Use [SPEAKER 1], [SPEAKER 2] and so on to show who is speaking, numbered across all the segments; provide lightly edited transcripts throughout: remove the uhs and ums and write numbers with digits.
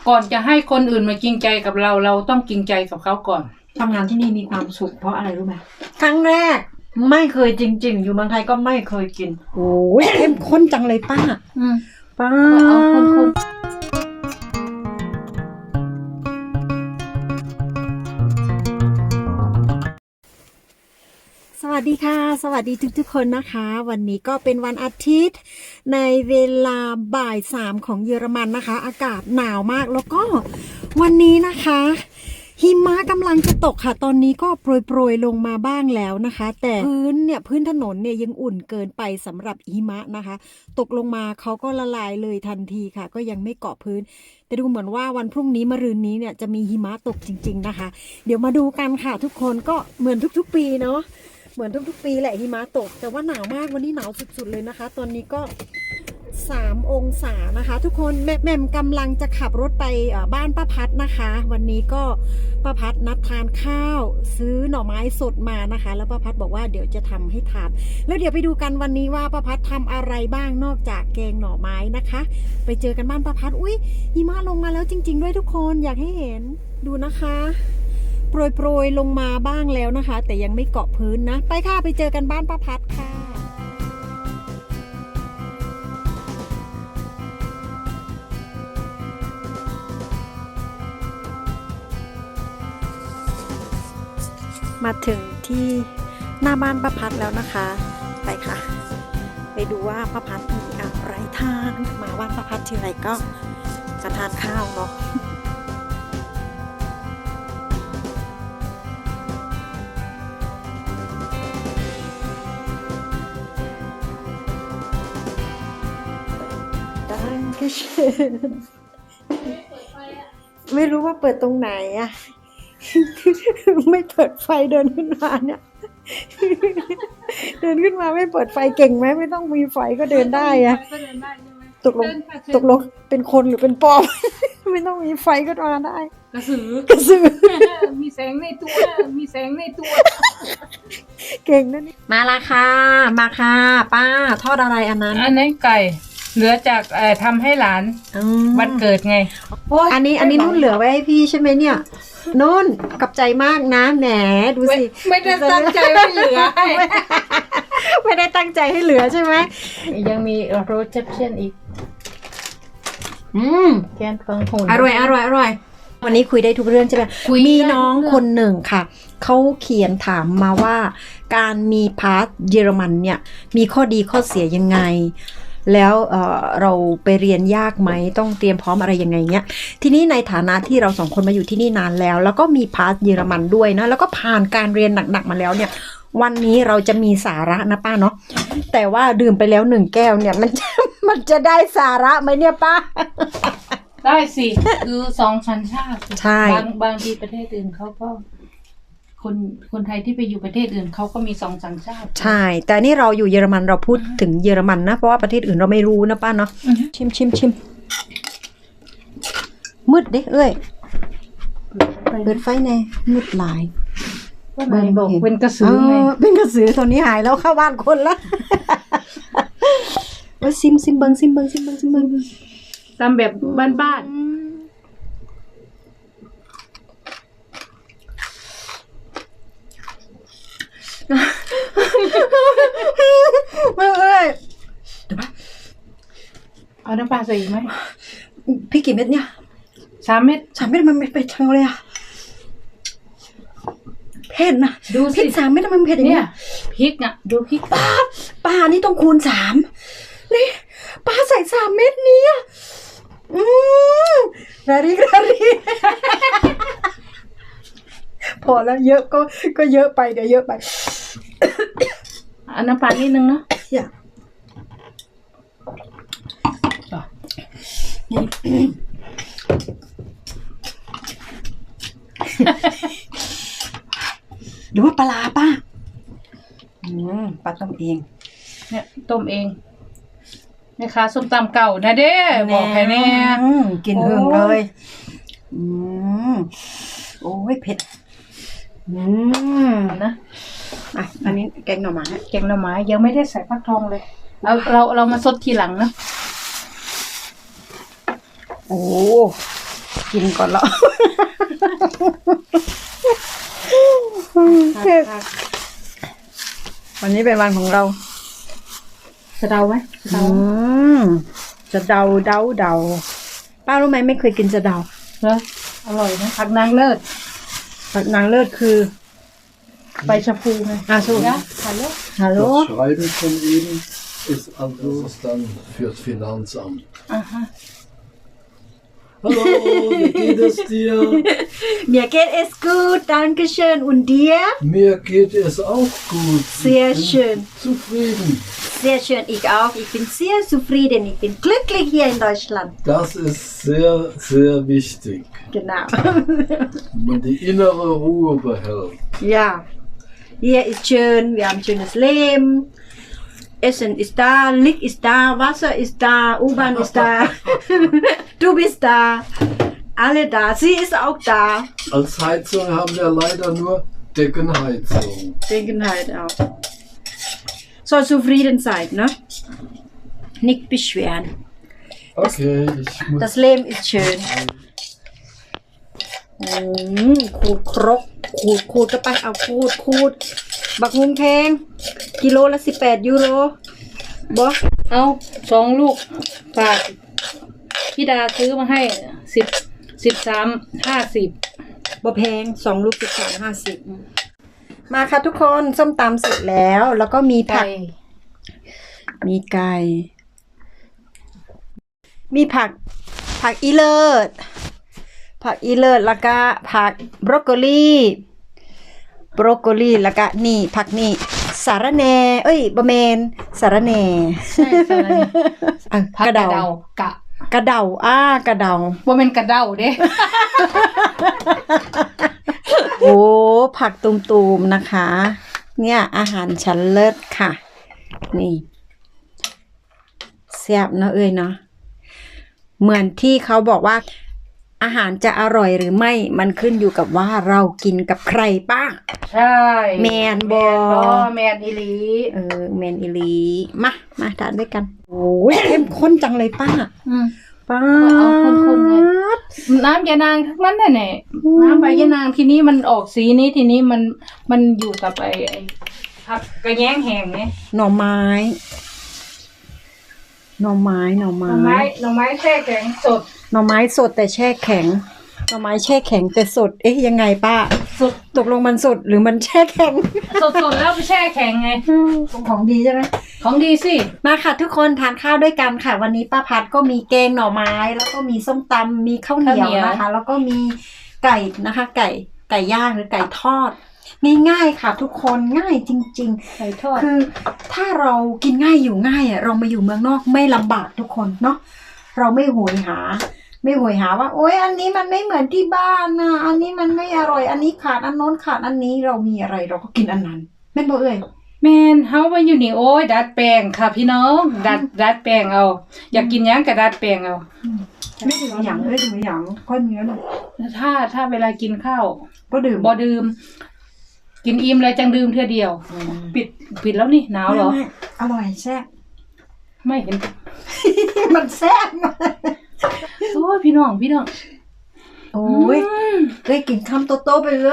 [SPEAKER 1] ก่อนจะให้คนอื่นมาจริงใจกับเราเราต้องจริงใจกับเขาก่อน
[SPEAKER 2] ทำงานที่นี่มีความสุขเพราะอะไรรู้ไหมครั้งแรกไม่เคยจริงๆอยู่เมืองไทยก็ไม่เคยกินโอ้ยเข้มข้นจังเลยป้าป้า
[SPEAKER 1] เอาคน
[SPEAKER 2] สวัสดีค่ะสวัสดีทุกๆคนนะคะวันนี้ก็เป็นวันอาทิตย์ในเวลาบ่าย 3ของเยอรมันนะคะอากาศหนาวมากแล้วก็วันนี้นะคะหิมะกำลังจะตกค่ะตอนนี้ก็โปรยลงมาบ้างแล้วนะคะแต่พื้นถนนเนี่ยยังอุ่นเกินไปสำหรับหิมะนะคะตกลงมาเขาก็ละลายเลยทันทีค่ะก็ยังไม่เกาะพื้นแต่ดูเหมือนว่าวันพรุ่งนี้มะรืนนี้เนี่ยจะมีหิมะตกจริงๆนะคะเดี๋ยวมาดูกันค่ะทุกคนก็เหมือนทุกๆปีเนาะเหมือนทุกๆปีแหละหิมะตกแต่ว่าหนาวมากวันนี้หนาวสุดๆเลยนะคะตอนนี้ก็3 องศานะคะทุกคนแม่กำลังจะขับรถไปบ้านป้าพัดนะคะวันนี้ก็ป้าพัดนัดทานข้าวซื้อหน่อไม้สดมานะคะแล้วป้าพัดบอกว่าเดี๋ยวจะทำให้ทานแล้วเดี๋ยวไปดูกันวันนี้ว่าป้าพัดทำอะไรบ้างนอกจากแกงหน่อไม้นะคะไปเจอกันบ้านป้าพัดอุ้ยหิมะลงมาแล้วจริงๆด้วยทุกคนอยากให้เห็นดูนะคะโปรยลงมาบ้างแล้วนะคะแต่ยังไม่เกาะพื้นนะไปค่ะไปเจอกันบ้านป้าพัดค่ะมาถึงที่หน้าบ้านป้าพัดแล้วนะคะไปค่ะไปดูว่าป้าพัดมีอะไรทานมาบ้านป้าพัดทีไรก็จะทานข้าวเนาะไม่รู้ว่าเปิดตรงไหนอะไม่เปิดไฟเดินขึ้นมาเนี่ยเดินขึ้นมาไม่เปิดไฟเก่งไหมไม่ต้องมีไฟก็เดินได้อะตกลงเป็นคนหรือเป็นปอบไม่ต้องมีไฟก็มาได้
[SPEAKER 1] กระสือมีแสงในตัว
[SPEAKER 2] เก่งนะนี่มาละค่ะมาค่ะป้าทอดอะไรอันนั้น
[SPEAKER 1] ไก่เหลือจากทำให้หลานวันเกิดไง
[SPEAKER 2] อันนี้นุ่นเหลือไว้ให้พี่ใช่ไหมเนี่ยนุ่นกับใจมากนะแหมดูสิ
[SPEAKER 1] ไม่ได้ตั้งใจให้เหลือ
[SPEAKER 2] ไม่ได้ตั้งใจให้เหลือใช่ไหม
[SPEAKER 1] ยังมีโรสเชฟเชียนอีกแกนฟังหุ่น
[SPEAKER 2] อร่อยวันนี้คุยได้ทุกเรื่องใช่ไหมมีน้องคนหนึ่งค่ะเขาเขียนถามมาว่าการมีพาสเยอรมันเนี่ยมีข้อดีข้อเสียยังไงแล้วเราไปเรียนยากไหมต้องเตรียมพร้อมอะไรยังไงเงี้ยทีนี้ในฐานะที่เรา2 คนมาอยู่ที่นี่นานแล้วก็มีพาสเยอรมันด้วยนะแล้วก็ผ่านการเรียนหนักๆมาแล้วเนี่ยวันนี้เราจะมีสาระนะป้าเนาะแต่ว่าดื่มไปแล้ว1 แก้วเนี่ยมันจะได้สาระไหมเนี่ยป้า
[SPEAKER 1] ได้สิคือ2 สัญชาติ
[SPEAKER 2] ใช่
[SPEAKER 1] บางที่ประเทศอื่นเขาก็คนไทยที่ไปอยู่ประเทศอื่นเขาก็มี2 สัญชาติ
[SPEAKER 2] ใช่แต่นี่เราอยู่เยอรมันเราพูดถึงเยอรมันนะเพราะว่าประเทศอื่นเราไม่รู้นะป้าเนาะชิมมืดดิเอ้ยเปิดไฟแน่มืดหลาย
[SPEAKER 1] เป็นกระสือไง
[SPEAKER 2] เป็นกระสือตัวนี้หายแล้วเข้าบ้านคนละว่าซิมเบิง
[SPEAKER 1] ตามแบบบ้าน
[SPEAKER 2] ไม่เอ้ย
[SPEAKER 1] เอาน้ำปลาใส่อีกไหม
[SPEAKER 2] พี่กี่เม็ดเนี่ย
[SPEAKER 1] 3 เม็ด
[SPEAKER 2] มันไม่ไปทั้งเลยอะเผ็ดนะ
[SPEAKER 1] ดูสิ
[SPEAKER 2] พริก3 เม็ดมันเผ็ดอย่างเงี้ย
[SPEAKER 1] พริกอ่ะดูพริก
[SPEAKER 2] ป้านี่ต้องคูณ3นี่ป้าใส่3 เม็ดนี้อะระริพอแล้วเยอะก็เยอะไปเดี๋ยวเยอะไป
[SPEAKER 1] เอาน้ำปลานิดนึงเนาะ
[SPEAKER 2] อย่าหรือว่าปลาป้าปลาต้มเอง
[SPEAKER 1] เนี่ยต้มเองแม่ค้าส้มตำเก่านะเด้บอกใครแน่
[SPEAKER 2] กินเฮืองเลยโอ้ยเผ็ด
[SPEAKER 1] นะ
[SPEAKER 2] อันนี้แกงหน่อไม้
[SPEAKER 1] ยังไม่ได้ใส่ฟักทองเลยเรามาซดทีหลังนะ
[SPEAKER 2] โอ้ทกินก่อนแล้ว วันนี้เป็นวันของเรา
[SPEAKER 1] สะเดาไหมสะเดา
[SPEAKER 2] จะเดาป้ารู้ไหมไม่เคยกินจะเดา
[SPEAKER 1] เหรออร่อยนะผักนางเลิศ
[SPEAKER 2] นางเลิศคือ
[SPEAKER 1] ใบชะพูไง
[SPEAKER 2] สู้
[SPEAKER 1] นะฮัลโหล
[SPEAKER 2] ฮัลโหล
[SPEAKER 3] Das Schreiben von Ihnen ist also dann fürs Finanzamt.
[SPEAKER 1] Aha.
[SPEAKER 3] Hallo, wie geht es dir?
[SPEAKER 2] Mir geht es gut, danke schön. Und dir?
[SPEAKER 3] Mir geht es auch gut.
[SPEAKER 2] Sehr
[SPEAKER 3] Ich bin
[SPEAKER 2] schön.
[SPEAKER 3] Zufrieden.
[SPEAKER 2] Sehr schön, ich auch. Ich bin sehr zufrieden. Ich bin glücklich hier in Deutschland.
[SPEAKER 3] Das ist sehr, sehr wichtig,
[SPEAKER 2] Genau.
[SPEAKER 3] wenn man die innere Ruhe behält.
[SPEAKER 2] Ja, hier ist schön. Wir haben schönes Leben. Essen ist da, Licht ist da, Wasser ist da, U-Bahn ist da. Du bist da. Alle da. Sie ist auch da.
[SPEAKER 3] Als Heizung haben wir leider nur Deckenheizung.
[SPEAKER 2] Denken halt auch. So zufrieden sein, ne? Nicht beschweren.
[SPEAKER 3] Okay, ich muss...
[SPEAKER 2] Das Leben ist schön. ขูดครกขูดก็ไปเอาขูดบักฮุงแพงกิโลละ18 ยูโรบ่
[SPEAKER 1] เอา2 ลูกฝากพี่ดาซื้อมาให้13.50
[SPEAKER 2] บ่แพง2 ลูก13.50มาค่ะทุกคนส้มตำเสร็จแล้วแล้วก็มีผักมีไก่มีผักอีเลิศแล้วก็ผักบรอกโคลีแล้วก็นี่ผักนี่สาระแหน่บะเมนสาระแหน่
[SPEAKER 1] ใช่สาระแหน่ ผักกระเดาก
[SPEAKER 2] ระเดากระเดา
[SPEAKER 1] ว่าเป็นกระเดาเด้
[SPEAKER 2] โอ้ผักตุมๆนะคะเนี่ยอาหารชั้นเลิศค่ะนี่แซ่บเนาะเนาะเหมือนที่เขาบอกว่าอาหารจะอร่อยหรือไม่มันขึ้นอยู่กับว่าเรากินกับใครป้า
[SPEAKER 1] ใช่
[SPEAKER 2] แมนบอ
[SPEAKER 1] แมนอีหลี
[SPEAKER 2] แมนอีลีมาทานด้วยกันโอ้ยเข้มข้นจังเลยป้าป้า
[SPEAKER 1] เอาคนๆเลยน้ำยานางทั้งนั้นแหละน้ำใบยานางทีนี้มันออกสีนี้ทีนี้มันอยู่กับไอ้ผักกระแยงแห้งเนี่ย
[SPEAKER 2] หน่อไม้
[SPEAKER 1] หน่อไม้แช่แข็งสด
[SPEAKER 2] หน่อไม้สดแต่แช่แข็งหน่อไม้แช่แข็งแต่สดยังไงป้า
[SPEAKER 1] สด
[SPEAKER 2] ตกลงมันสดหรือมันแช่แข็ง
[SPEAKER 1] สดแล้วไปแช่แข็งไง
[SPEAKER 2] ของดีใช่ไหม
[SPEAKER 1] ของดีสิ
[SPEAKER 2] มาค่ะทุกคนทานข้าวด้วยกันค่ะวันนี้ป้าพัดก็มีแกงหน่อไม้แล้วก็มีส้มตำมีข้าวเหนียวนะคะแล้วก็มีไก่นะคะไก่ย่างหรือไก่ทอดง่ายๆค่ะทุกคนง่ายจริงๆ
[SPEAKER 1] ไก่ทอด
[SPEAKER 2] คือถ้าเรากินง่ายอยู่ง่ายเรามาอยู่เมืองนอกไม่ลำบากทุกคนเนาะเราไม่โหยหาว่าโอ๊ยอันนี้มันไม่เหมือนที่บ้านนะอันนี้มันไม่อร่อยอันนี้ขาดอันโน้นขาดอันนี้เรามีอะไรเราก็กินอันนั้นแม่นบ่เอ่ย
[SPEAKER 1] แมนเฮามาอยู่นี่โอ้ยดัดแปลงค่ะพี่น้องดัดแปลงเอาอยากกินหยังก็ดัดแปลงเอา
[SPEAKER 2] ไม่ถึงอย่างก้อนเนื้อเลย
[SPEAKER 1] ถ้าเวลากินข้าว
[SPEAKER 2] ก็ดื่ม
[SPEAKER 1] บ่ดื่มกินอิ่มเลยจังดื่มเทื่อเดียวปิดแล้วนี่หนาวเหรอ
[SPEAKER 2] ไม่อร่อยแซ่บ
[SPEAKER 1] ไม่เห็น
[SPEAKER 2] มันแซ่บ
[SPEAKER 1] โอ้ยพี่น้อง
[SPEAKER 2] โอ้ยได้กินคำโตๆไปเลย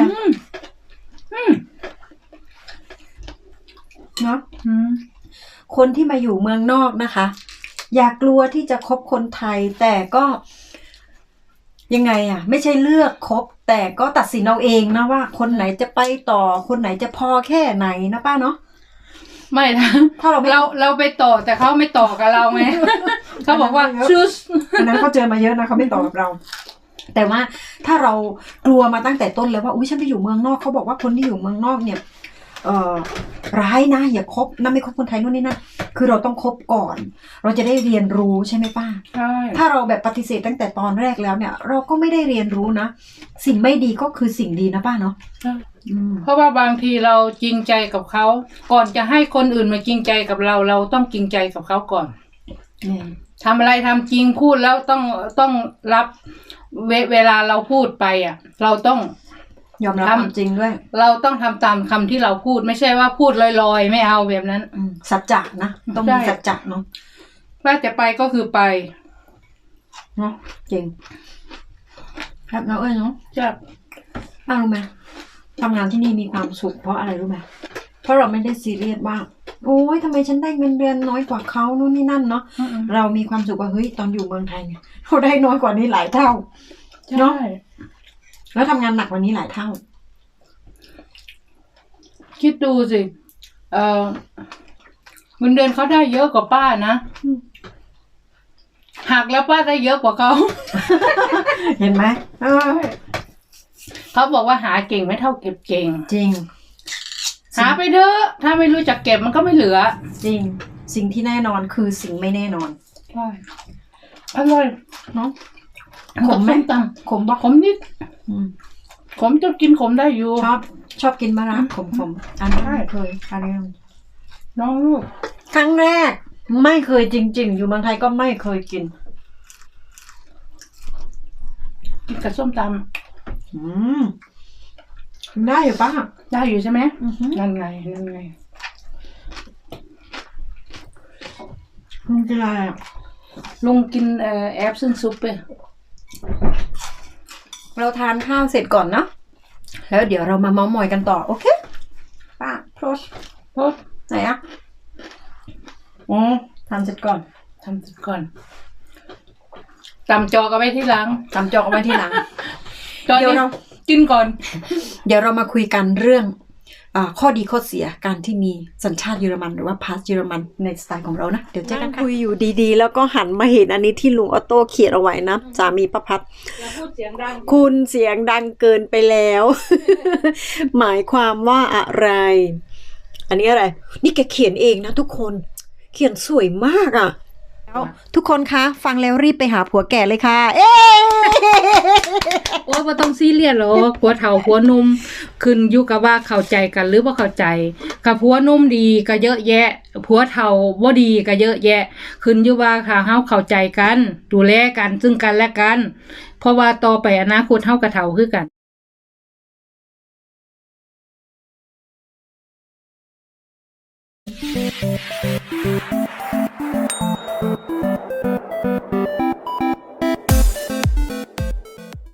[SPEAKER 2] เนาะคนที่มาอยู่เมืองนอกนะคะ อย่ากลัวที่จะคบคนไทยแต่ก็ยังไงไม่ใช่เลือกคบแต่ก็ตัดสินเอาเองนะว่าคนไหนจะไปต่อคนไหนจะพอแค่ไหนนะป้าเนาะ
[SPEAKER 1] ไม่นะ
[SPEAKER 2] ถ้าเรา
[SPEAKER 1] ไปต่อแต่เขาไม่ต่อกับเราไง เขาบอกว่าชูส
[SPEAKER 2] อันนั้นเขาเจอมาเยอะนะเขาไม่ต่อกับเรา แต่ว่าถ้าเรากลัวมาตั้งแต่ต้นแล้วว่าอุ้ยฉันไปอยู่เมืองนอกเขาบอกว่าคนที่อยู่เมืองนอกเนี่ยร้ายนะอย่าคบนะไม่คบคนไทยนู่นนี่นั่นคือเราต้องคบก่อน เราจะได้เรียนรู้ใช่ไหมป้า
[SPEAKER 1] ใช่
[SPEAKER 2] ถ้าเราแบบปฏิเสธตั้งแต่ตอนแรกแล้วเนี่ยเราก็ไม่ได้เรียนรู้นะสิ่งไม่ดีก็คือสิ่งดีนะป้าเนาะ
[SPEAKER 1] เพราะว่าบางทีเราจริงใจกับเขาก่อนจะให้คนอื่นมาจริงใจกับเราเราต้องจริงใจกับเขาก่อนทำอะไรทำจริงพูดแล้วต้องรับเวลาเราพูดไปเราต้อง
[SPEAKER 2] ยอมรับความจริงด้วย
[SPEAKER 1] เราต้องทำตามคำที่เราพูดไม่ใช่ว่าพูดลอยๆไม่เอาแบบนั้น
[SPEAKER 2] สัจจะนะต้องมีสัจจะเนาะ
[SPEAKER 1] ว่าจะไปก็คือไป
[SPEAKER 2] เนาะจริงครับเราเนาะ
[SPEAKER 1] จะ
[SPEAKER 2] ป้ารู้ไหมทำงานที่นี่มีความสุขเพราะอะไรรู้ไหมเพราะเราไม่ได้ซีเรียสว่าโอ้ยทำไมฉันได้เงินเดือนน้อยกว่าเขานู่นนี่นั่นเนาะเรามีความสุขว่าเฮ้ยตอนอยู่เมืองไทยเนี่ยเราได้น้อยกว่านี้หลายเท่า
[SPEAKER 1] เนาะ
[SPEAKER 2] แล้วทำงานหนักกว่านี้หลายเท่า
[SPEAKER 1] คิดดูสิเงินเดือนเขาได้เยอะกว่าป้านะหักแล้วป้าได้เยอะกว่าเขา
[SPEAKER 2] เห็นไหม
[SPEAKER 1] เขาบอกว่าหาเก่งไม่เท่าเก็บเก่ง
[SPEAKER 2] จริง
[SPEAKER 1] หาไปเถอะถ้าไม่รู้จักเก็บมันก็ไม่เหลือ
[SPEAKER 2] จริง สิ่งที่แน่นอนคือสิ่งไม่แน่นอน
[SPEAKER 1] ใช่อร่อย
[SPEAKER 2] เนาะ
[SPEAKER 1] ขมไหม
[SPEAKER 2] ส้ต
[SPEAKER 1] ขมปะขมนิด
[SPEAKER 2] อืม
[SPEAKER 1] ขมจะกินขมได้อยู่
[SPEAKER 2] ชอบกินมะระขมอันนี้ไม่เคยอันนี้
[SPEAKER 1] น้องลูก
[SPEAKER 2] ครั้งแรกไม่เคยจริง ๆ อยู่เมืองไทยก็ไม่เคยกิน
[SPEAKER 1] กินกับส้มต
[SPEAKER 2] ได้อยู่ป้า
[SPEAKER 1] ำได้อยู่ใช่ไหม
[SPEAKER 2] อือฮึ
[SPEAKER 1] นั่นไงนั่นไง
[SPEAKER 2] มันจะอะไรอ่ะ
[SPEAKER 1] ลุงกินแอปซึ่งซุปไป
[SPEAKER 2] เราทานข้าวเสร็จก่อนเนาะแล้วเดี๋ยวเรามาเม้าท์มอยกันต่อโอเคป้าโพส
[SPEAKER 1] โอ้
[SPEAKER 2] ไหนอ่ะอ๋อทานเสร็จก่อน
[SPEAKER 1] ทำเสร็จก่อนตำจอกเอาไว้ที่หลัง
[SPEAKER 2] ตำจอกเอาไว้ทีหลัง
[SPEAKER 1] ตอน
[SPEAKER 2] เดี๋ยว
[SPEAKER 1] นี้
[SPEAKER 2] เรา
[SPEAKER 1] กินก่อน
[SPEAKER 2] เดี๋ยวเรามาคุยกันเรื่องข้อดีข้อเสียการที่มีสัญชาติเยอรมันหรือว่าพาสเยอรมันในสไตล์ของเรานะเดี๋ยวเจอกันค่ะคุยอยู่ดีๆ แล้วก็หันมาเห็นอันนี้ที่ลุงออโต้เขียนเอาไว้นะสามีป้าพัด
[SPEAKER 1] อย่าพูดเสียงดัง
[SPEAKER 2] คุณเสียงดังเกินไปแล้ว หมายความว่าอะไร อันนี้อะไร นี่แกเขียนเองนะทุกคน เขียนสวยมากอ่ะแล้วทุกคนคะฟังแล้วรีบไปหาผัวแก่เลยค่ะ เอ๊ะ
[SPEAKER 1] โอ้บ่ต้องซีเรียสหรอกผัวเฒ่าผัวหนุ่มขึ้นอยู่กับว่าเข้าใจกันหรือบ่เข้าใจกับผัวหนุ่มดีก็เยอะแยะผัวเฒ่าบ่ดีก็เยอะแยะขึ้นอยู่ว่าถ้าเฮาเข้าใจกันดูแลกันซึ่งกันและกันเพราะว่าต่อไปอนาคตเฮาก็เฒ่าคือกัน